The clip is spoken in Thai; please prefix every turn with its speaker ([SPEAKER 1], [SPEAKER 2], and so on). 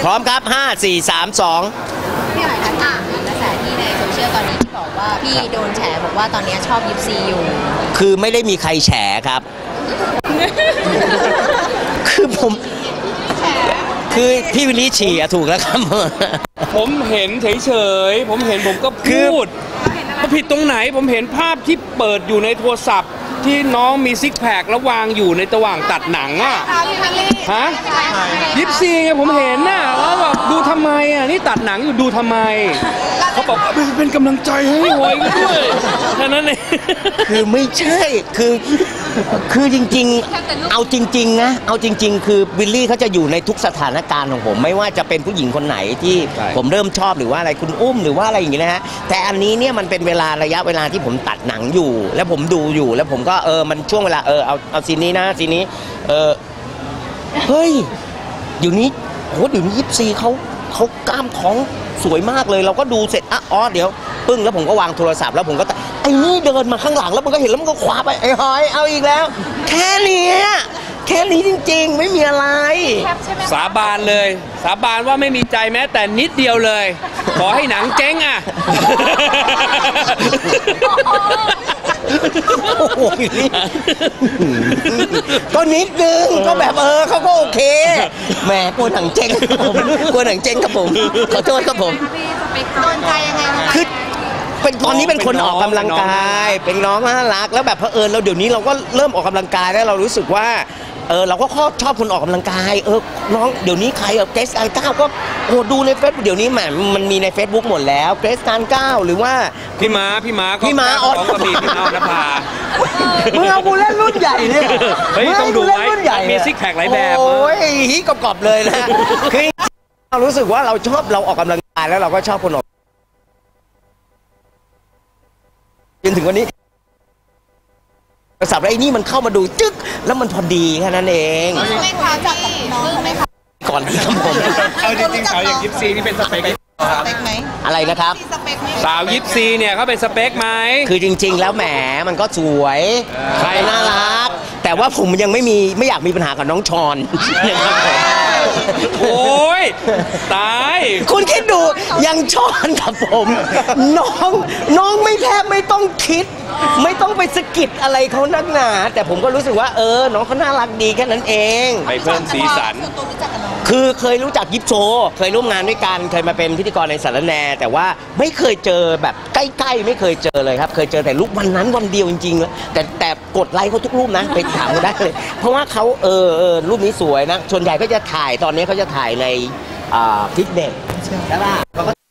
[SPEAKER 1] ร้อมครับ5 4 3 2
[SPEAKER 2] พี่หน่อยคะกระแสที่ในโซเชียลตอนนี้ที่บอกว่าพี่โดนแฉบอกว่าตอนนี้ชอบยิปซีอยู่
[SPEAKER 1] คือไม่ได้มีใครแฉครับ คือคือพี่วิลลี่ฉี่ถูกแล้วครับ
[SPEAKER 3] ผมเห็นเฉยๆผมเห็นผมก็พูดว่าผิดตรงไหนผมเห็นภาพที่เปิดอยู่ในโทรศัพท์ที่น้องมีซิกแพคแล้ววางอยู่ในระหว่างตัดหนังอ่ะฮะยิปซีไงผมเห็นน่ะแล้วแบบดูทำไมอ่ะนี่ตัดหนังอยู่ดูทำไมเขาบอกเป็นกำลังใจให้หวยด้วยแค่นั้นเอง
[SPEAKER 1] คือไม่ใช่คือจริงๆเอาจริงๆนะเอาจริงๆคือวิลลี่เขาจะอยู่ในทุกสถานการณ์ของผมไม่ว่าจะเป็นผู้หญิงคนไหนที่ผมเริ่มชอบหรือว่าอะไรคุณอุ้มหรือว่าอะไรอย่างเงี้ยนะฮะแต่อันนี้เนี่ยมันเป็นระยะเวลาที่ผมตัดหนังอยู่แล้วผมดูอยู่แล้วผมก็มันช่วงเวลาเอาซีนนี้นะซีนนี้เฮ้ยเดี๋ยวนี้ยิปซีเขากล้ามท้องสวยมากเลยเราก็ดูเสร็จเดี๋ยวปึ้งแล้วผมก็วางโทรศัพท์แล้วผมก็ไอ้นี่เดินมาข้างหลังแล้วมันก็เห็นแล้วมันก็คว้าไปไอ้หอยเอาอีกแล้วแค่นี้จริงๆไม่มีอะไร
[SPEAKER 3] สาบานเลยสาบานว่าไม่มีใจแม้แต่นิดเดียวเลยขอให้หนังเจ๊งอ่ะ
[SPEAKER 1] ก็นิดนึงก็แบบเขาก็โอเคแหมกลัวหนังเจ๊งครับผมกลัวหนังเจ๊งครับผมขอโทษครับผม
[SPEAKER 2] โดนใจยังไง
[SPEAKER 1] คือเป็นตอนนี้เป็นคนออกกำลังกายเป็นน้องน่ารักแล้วแบบเผอิญเราเดี๋ยวนี้เราก็เริ่มออกกำลังกายแล้วเรารู้สึกว่าเราก็ชอบคนออกกำลังกายน้องเดี๋ยวนี้ใครเกรซการก้าวก็ดูในเฟซเดี๋ยวนี้มันมีใน Facebook หมดแล้วเกรซการก้าวหรือว่า
[SPEAKER 3] พี่ม้าของกระบี่พี่ม้านภา
[SPEAKER 1] มึงเอากูเล่นรุ่นใหญ่เนี่ย
[SPEAKER 3] มึงต้องดูไว้มีซิกแพคหลายแบบ
[SPEAKER 1] โอ้ยฮีกรอบเลยนะคือเรารู้สึกว่าเราชอบเราออกกำลังกายแล้วเราก็ชอบคนออกจนถึงวันนี้โทรศัพท์ไอ้นี่มันเข้ามาดูจึ๊กแล้วมันพอดีแค่นั้นเอง
[SPEAKER 2] ไม่คะจากน้องไม่คะ
[SPEAKER 1] ก่อนที่ครับผม
[SPEAKER 3] เอาจริงๆเขาอย่างยิปซีนี่เป็นสเปค
[SPEAKER 2] ไหม
[SPEAKER 1] อะไรนะครับ
[SPEAKER 3] สาวยิปซีเนี่ยเขาเป็นสเปคไหม
[SPEAKER 1] คือจริงๆแล้วแหมมันก็สวยใครน่ารักแต่ว่าผมยังไม่อยากมีปัญหากับน้องชอนนะครับผม
[SPEAKER 3] โอ้ยตาย
[SPEAKER 1] คุณคิดดูยังชอนกับผมน้องไม่แทบไม่ต้องคิดไม่ต้องไปสะกิดอะไรเขานักหนาแต่ผมก็รู้สึกว่าน้องเขาน่ารักดีแค่นั้นเอง
[SPEAKER 3] ไปเพิ่มสีสัน
[SPEAKER 1] คือเคยรู้จักยิปโซเคยร่วมงานด้วยกันเคยมาเป็นพิธีกรในสารแนแต่ว่าไม่เคยเจอแบบใกล้ๆไม่เคยเจอเลยครับเคยเจอแต่รูปวันนั้นวันเดียวจริงๆแล้วแต่กดไลค์เขาทุกรูปนะไปถามเขาได้เลยเพราะว่าเขารูปนี้สวยนะส่วนใหญ่ก็จะถ่ายตอนนี้เขาจะถ่ายในฟิตเนสใช่ป่ะ